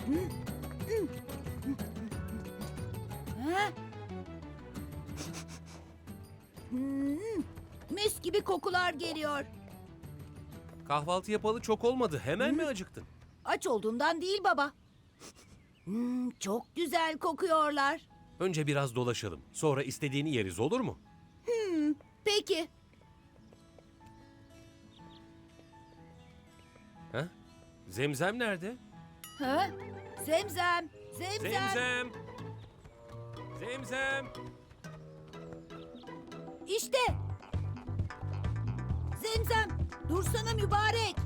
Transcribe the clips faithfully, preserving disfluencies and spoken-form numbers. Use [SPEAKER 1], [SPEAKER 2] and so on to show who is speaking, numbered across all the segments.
[SPEAKER 1] Ha? Hmm, mis gibi kokular geliyor.
[SPEAKER 2] Kahvaltı yapalı çok olmadı. Hemen mi acıktın?
[SPEAKER 1] Aç olduğumdan değil baba. Hmm, çok güzel kokuyorlar.
[SPEAKER 2] Önce biraz dolaşalım. Sonra istediğini yeriz, olur mu?
[SPEAKER 1] Peki.
[SPEAKER 2] Ha? Zemzem nerede?
[SPEAKER 1] Ha? Zemzem, zemzem.
[SPEAKER 2] Zemzem! Zemzem!
[SPEAKER 1] İşte. Zemzem, dursana mübarek.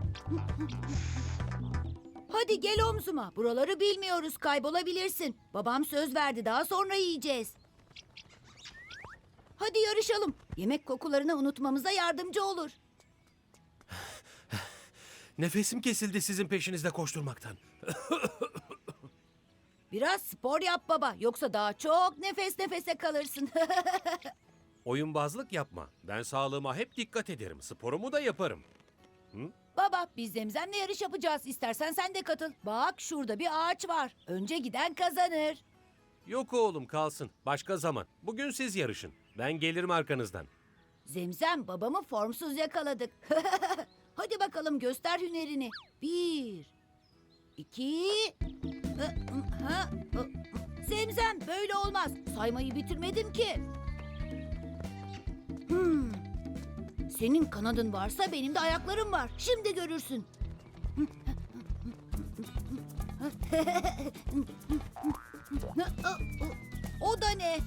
[SPEAKER 1] Hadi gel omzuma. Buraları bilmiyoruz, kaybolabilirsin. Babam söz verdi, daha sonra yiyeceğiz. Hadi yarışalım. Yemek kokularını unutmamıza yardımcı olur.
[SPEAKER 2] Nefesim kesildi sizin peşinizde koşturmaktan.
[SPEAKER 1] Biraz spor yap baba, yoksa daha çok nefes nefese kalırsın.
[SPEAKER 2] Oyunbazlık yapma. Ben sağlığıma hep dikkat ederim. Sporumu da yaparım.
[SPEAKER 1] Baba, biz Zemzem'le yarış yapacağız. İstersen sen de katıl. Bak, şurada bir ağaç var. Önce giden kazanır.
[SPEAKER 2] Yok oğlum, kalsın. Başka zaman. Bugün siz yarışın. Ben gelirim arkanızdan.
[SPEAKER 1] Zemzem, babamı formsuz yakaladık. Hadi bakalım, göster hünerini. Bir, iki... Ha, Zemzem, böyle olmaz. Saymayı bitirmedim ki. Hmm. Senin kanadın varsa benim de ayaklarım var. Şimdi görürsün. O da ne?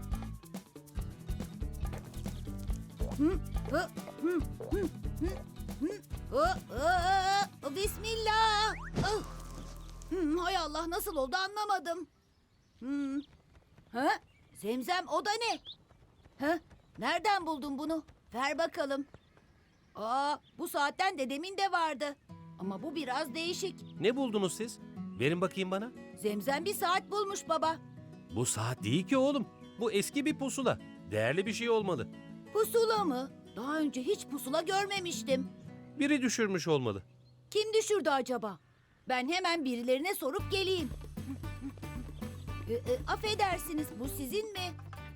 [SPEAKER 1] Bismillah. Hmm, hay Allah, nasıl oldu anlamadım. Hmm. Ha? Zemzem, o da ne? Ha? Nereden buldun bunu? Ver bakalım. Aa, bu saatten dedemin de vardı. Ama bu biraz değişik.
[SPEAKER 2] Ne buldunuz siz? Verin bakayım bana.
[SPEAKER 1] Zemzem bir saat bulmuş baba.
[SPEAKER 2] Bu saat değil ki oğlum. Bu eski bir pusula. Değerli bir şey olmalı.
[SPEAKER 1] Pusula mı? Daha önce hiç pusula görmemiştim.
[SPEAKER 2] Biri düşürmüş olmalı.
[SPEAKER 1] Kim düşürdü acaba? Ben hemen birilerine sorup geleyim. E, e, affedersiniz, bu sizin mi?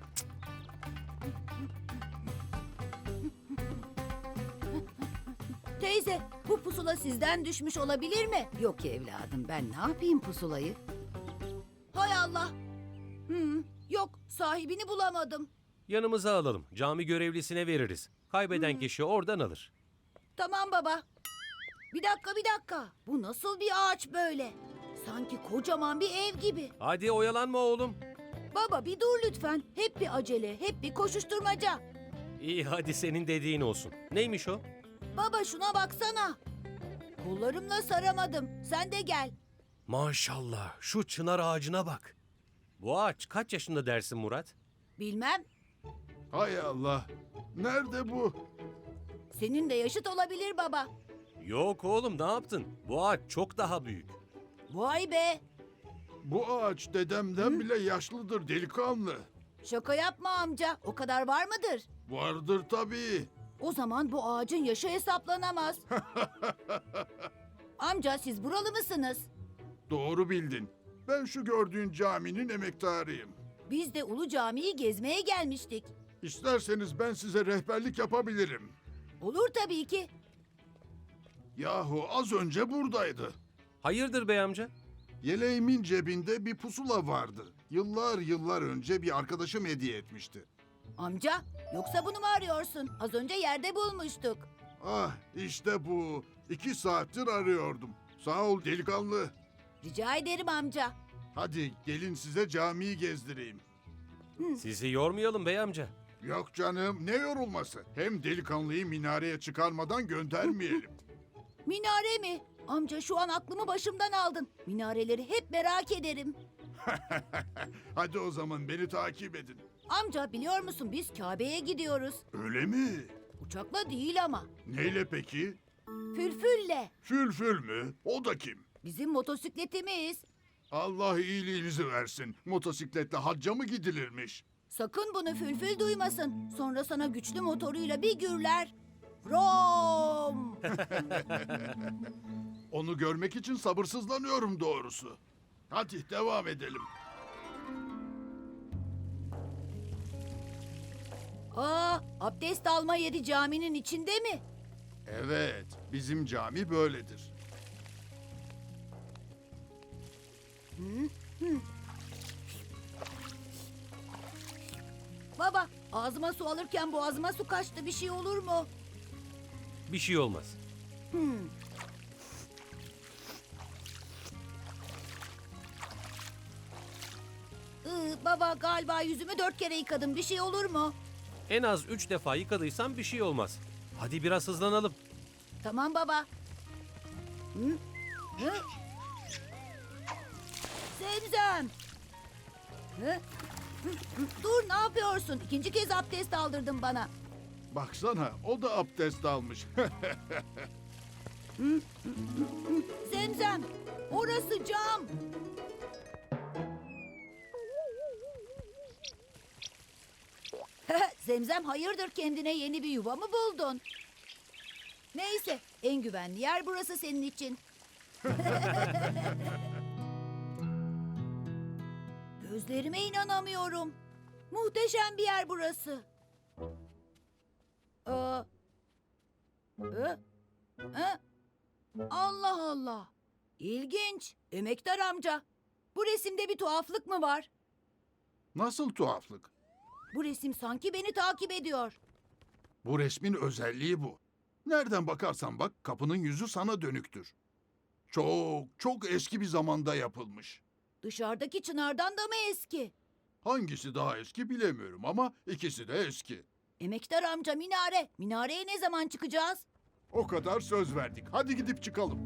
[SPEAKER 1] Teyze, bu pusula sizden düşmüş olabilir mi?
[SPEAKER 3] Yok evladım, ben ne yapayım pusulayı?
[SPEAKER 1] Hay Allah. Hmm, yok, sahibini bulamadım.
[SPEAKER 2] Yanımıza alalım. Cami görevlisine veririz. Kaybeden kişi oradan alır.
[SPEAKER 1] Tamam baba. Bir dakika, bir dakika. Bu nasıl bir ağaç böyle? Sanki kocaman bir ev gibi.
[SPEAKER 2] Hadi oyalanma oğlum.
[SPEAKER 1] Baba, bir dur lütfen. Hep bir acele, hep bir koşuşturmaca.
[SPEAKER 2] İyi, hadi senin dediğin olsun. Neymiş o?
[SPEAKER 1] Baba, şuna baksana. Kollarımla saramadım. Sen de gel.
[SPEAKER 2] Maşallah, şu çınar ağacına bak. Bu ağaç kaç yaşında dersin Murat?
[SPEAKER 1] Bilmem.
[SPEAKER 4] Hay Allah. Nerede bu?
[SPEAKER 1] Senin de yaşıt olabilir baba.
[SPEAKER 2] Yok oğlum, ne yaptın? Bu ağaç çok daha büyük.
[SPEAKER 1] Vay be.
[SPEAKER 4] Bu ağaç dedemden bile yaşlıdır delikanlı.
[SPEAKER 1] Şaka yapma amca. O kadar var mıdır?
[SPEAKER 4] Vardır tabii.
[SPEAKER 1] O zaman bu ağacın yaşı hesaplanamaz. Amca, siz buralı mısınız?
[SPEAKER 4] Doğru bildin. Ben şu gördüğün caminin emektarıyım.
[SPEAKER 1] Biz de Ulu Cami'yi gezmeye gelmiştik.
[SPEAKER 4] İsterseniz ben size rehberlik yapabilirim.
[SPEAKER 1] Olur tabii ki.
[SPEAKER 4] Yahu az önce buradaydı.
[SPEAKER 2] Hayırdır bey amca?
[SPEAKER 4] Yeleğimin cebinde bir pusula vardı. Yıllar yıllar önce bir arkadaşım hediye etmişti.
[SPEAKER 1] Amca, yoksa bunu mu arıyorsun? Az önce yerde bulmuştuk.
[SPEAKER 4] Ah işte bu. İki saattir arıyordum. Sağ ol delikanlı.
[SPEAKER 1] Rica ederim amca.
[SPEAKER 4] Hadi gelin size camiyi gezdireyim.
[SPEAKER 2] Sizi yormayalım bey amca.
[SPEAKER 4] Yok canım ne yorulması. Hem delikanlıyı minareye çıkarmadan göndermeyelim.
[SPEAKER 1] Minare mi? Amca, şu an aklımı başımdan aldın. Minareleri hep merak ederim.
[SPEAKER 4] Hadi o zaman beni takip edin.
[SPEAKER 1] Amca, biliyor musun, biz Kabe'ye gidiyoruz.
[SPEAKER 4] Öyle mi?
[SPEAKER 1] Uçakla değil ama.
[SPEAKER 4] Neyle peki?
[SPEAKER 1] Fülfülle.
[SPEAKER 4] Fülfül mü? O da kim?
[SPEAKER 1] Bizim motosikletimiz.
[SPEAKER 4] Allah iyiliğinizi versin. Motosikletle hacca mı gidilirmiş?
[SPEAKER 1] Sakın bunu Fülfül duymasın. Sonra sana güçlü motoruyla bir gürler. From.
[SPEAKER 4] Onu görmek için sabırsızlanıyorum doğrusu. Hadi devam edelim.
[SPEAKER 1] Aa, abdest alma yeri caminin içinde mi?
[SPEAKER 4] Evet, bizim cami böyledir.
[SPEAKER 1] Baba, ağzıma su alırken boğazıma su kaçtı. Bir şey olur mu?
[SPEAKER 2] Bir şey olmaz.
[SPEAKER 1] Iı, baba galiba yüzümü dört kere yıkadım. Bir şey olur mu?
[SPEAKER 2] En az üç defa yıkadıysan bir şey olmaz. Hadi biraz hızlanalım.
[SPEAKER 1] Tamam baba. Hı? Hı? Zemzem. Hı? Hı, hı. Dur, ne yapıyorsun? İkinci kez abdest aldırdın bana.
[SPEAKER 4] Baksana, o da abdest almış.
[SPEAKER 1] Zemzem, orası cam. Zemzem, hayırdır, kendine yeni bir yuva mı buldun? Neyse, en güvenli yer burası senin için. Gözlerime inanamıyorum. Muhteşem bir yer burası. Aa, e, e, Allah Allah. İlginç. Emektar amca. Bu resimde bir tuhaflık mı var?
[SPEAKER 4] Nasıl tuhaflık?
[SPEAKER 1] Bu resim sanki beni takip ediyor.
[SPEAKER 4] Bu resmin özelliği bu. Nereden bakarsan bak, kapının yüzü sana dönüktür. Çok, çok eski bir zamanda yapılmış.
[SPEAKER 1] Dışarıdaki çınardan da mı eski?
[SPEAKER 4] Hangisi daha eski bilemiyorum ama ikisi de eski.
[SPEAKER 1] Emektar amca, minare. Minareye ne zaman çıkacağız?
[SPEAKER 4] O kadar söz verdik. Hadi gidip çıkalım.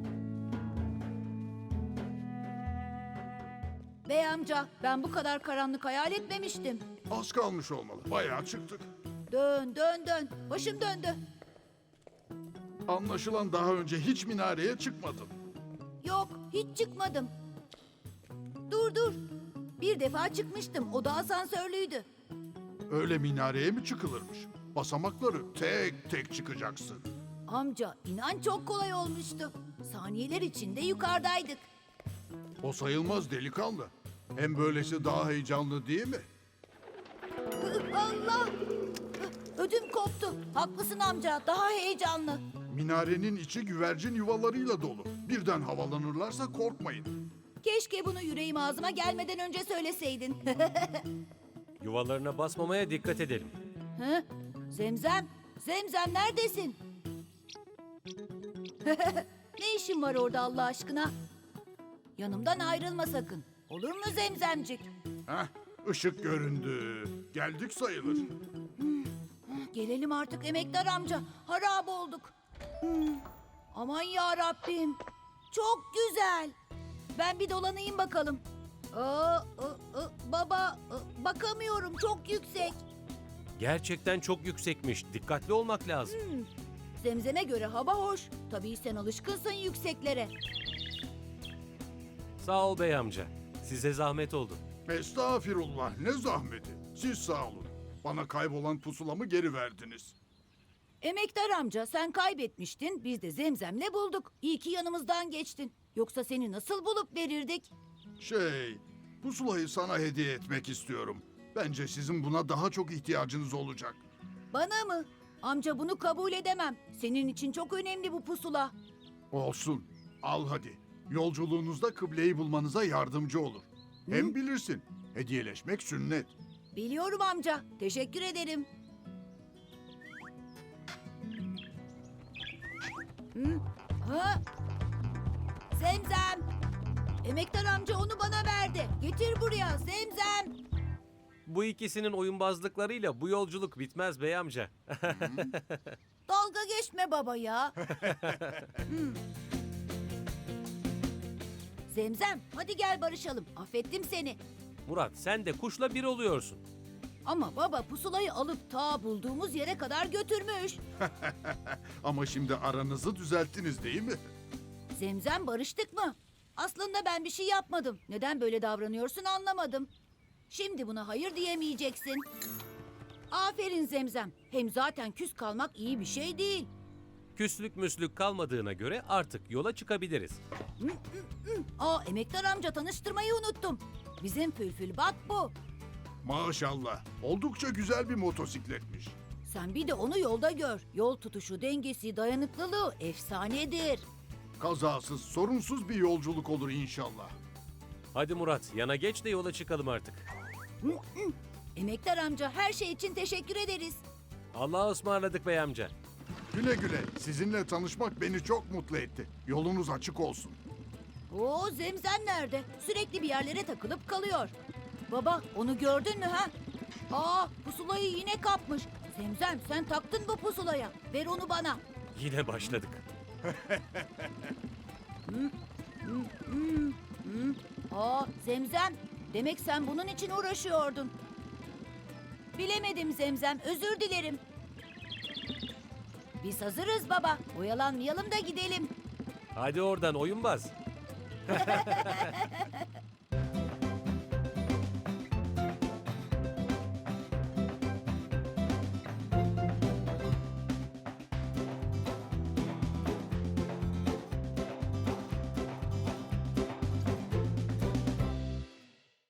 [SPEAKER 1] Bey amca, ben bu kadar karanlık hayal etmemiştim.
[SPEAKER 4] Az kalmış olmalı. Bayağı çıktık.
[SPEAKER 1] Dön, dön, dön. Başım döndü.
[SPEAKER 4] Anlaşılan daha önce hiç minareye çıkmadın.
[SPEAKER 1] Yok, hiç çıkmadım. Dur, dur. Bir defa çıkmıştım. O da asansörlüydü.
[SPEAKER 4] Öyle minareye mi çıkılırmış? Basamakları tek tek çıkacaksın.
[SPEAKER 1] Amca, inan çok kolay olmuştu. Saniyeler içinde yukarıdaydık.
[SPEAKER 4] O sayılmaz delikanlı. Hem böylesi daha heyecanlı değil mi?
[SPEAKER 1] Hı, Allah! Hı, ödüm koptu. Haklısın amca, daha heyecanlı.
[SPEAKER 4] Minarenin içi güvercin yuvalarıyla dolu. Birden havalanırlarsa korkmayın.
[SPEAKER 1] Keşke bunu yüreğim ağzıma gelmeden önce söyleseydin.
[SPEAKER 2] Yuvalarına basmamaya dikkat edelim.
[SPEAKER 1] Hı? Zemzem, Zemzem neredesin? Ne işin var orada Allah aşkına? Yanımdan ayrılma sakın. Olur mu Zemzemcik?
[SPEAKER 4] Heh, ışık göründü. Geldik sayılır.
[SPEAKER 1] Gelelim artık emektar amca. Harap olduk. Hmm, Aman ya Rabbim. Çok güzel. Ben bir dolanayım bakalım. Aa, ı, ı, baba, ı, bakamıyorum. Çok yüksek.
[SPEAKER 2] Gerçekten çok yüksekmiş. Dikkatli olmak lazım.
[SPEAKER 1] Zemzem'e göre hava hoş. Tabii sen alışkınsın yükseklere.
[SPEAKER 2] Sağ ol bey amca. Size zahmet oldu.
[SPEAKER 4] Estağfirullah, ne zahmeti. Siz sağ olun. Bana kaybolan pusulamı geri verdiniz.
[SPEAKER 1] Emektar amca, sen kaybetmiştin. Biz de Zemzem'le bulduk. İyi ki yanımızdan geçtin. Yoksa seni nasıl bulup verirdik?
[SPEAKER 4] Şey, pusulayı sana hediye etmek istiyorum. Bence sizin buna daha çok ihtiyacınız olacak.
[SPEAKER 1] Bana mı? Amca, bunu kabul edemem. Senin için çok önemli bu pusula.
[SPEAKER 4] Olsun. Al hadi. Yolculuğunuzda kıbleyi bulmanıza yardımcı olur. Hem bilirsin, hediyeleşmek sünnet.
[SPEAKER 1] Biliyorum amca. Teşekkür ederim. Hı? Ha? Zemzem. Emektar amca onu bana verdi. Getir buraya Zemzem.
[SPEAKER 2] Bu ikisinin oyunbazlıklarıyla bu yolculuk bitmez bey amca.
[SPEAKER 1] Dalga geçme baba ya. Hı. Zemzem, hadi gel barışalım. Affettim seni.
[SPEAKER 2] Murat sen de kuşla bir oluyorsun.
[SPEAKER 1] Ama baba pusulayı alıp ta bulduğumuz yere kadar götürmüş.
[SPEAKER 4] Ama şimdi aranızı düzelttiniz değil mi?
[SPEAKER 1] Zemzem, barıştık mı? Aslında ben bir şey yapmadım. Neden böyle davranıyorsun anlamadım. Şimdi buna hayır diyemeyeceksin. Aferin Zemzem. Hem zaten küs kalmak iyi bir şey değil.
[SPEAKER 2] Küslük müslük kalmadığına göre artık yola çıkabiliriz.
[SPEAKER 1] Aa, emektar amca tanıştırmayı unuttum. Bizim Fülfül Bat bu.
[SPEAKER 4] Maşallah. Oldukça güzel bir motosikletmiş.
[SPEAKER 1] Sen bir de onu yolda gör. Yol tutuşu, dengesi, dayanıklılığı efsanedir.
[SPEAKER 4] Kazasız, sorunsuz bir yolculuk olur inşallah.
[SPEAKER 2] Hadi Murat, yana geç de yola çıkalım artık.
[SPEAKER 1] Emektar amca her şey için teşekkür ederiz.
[SPEAKER 2] Allah'a ısmarladık bey amca.
[SPEAKER 4] Güle güle. Sizinle tanışmak beni çok mutlu etti. Yolunuz açık olsun.
[SPEAKER 1] Oo, Zemzem nerede? Sürekli bir yerlere takılıp kalıyor. Baba, onu gördün mü ha? Aa, pusulayı yine kapmış. Zemzem, sen taktın bu pusulaya. Ver onu bana.
[SPEAKER 2] Yine başladık.
[SPEAKER 1] Aa, Zemzem, demek sen bunun için uğraşıyordun. Bilemedim Zemzem, özür dilerim. Biz hazırız baba. Oyalanmayalım da gidelim.
[SPEAKER 2] Hadi oradan oyunbaz.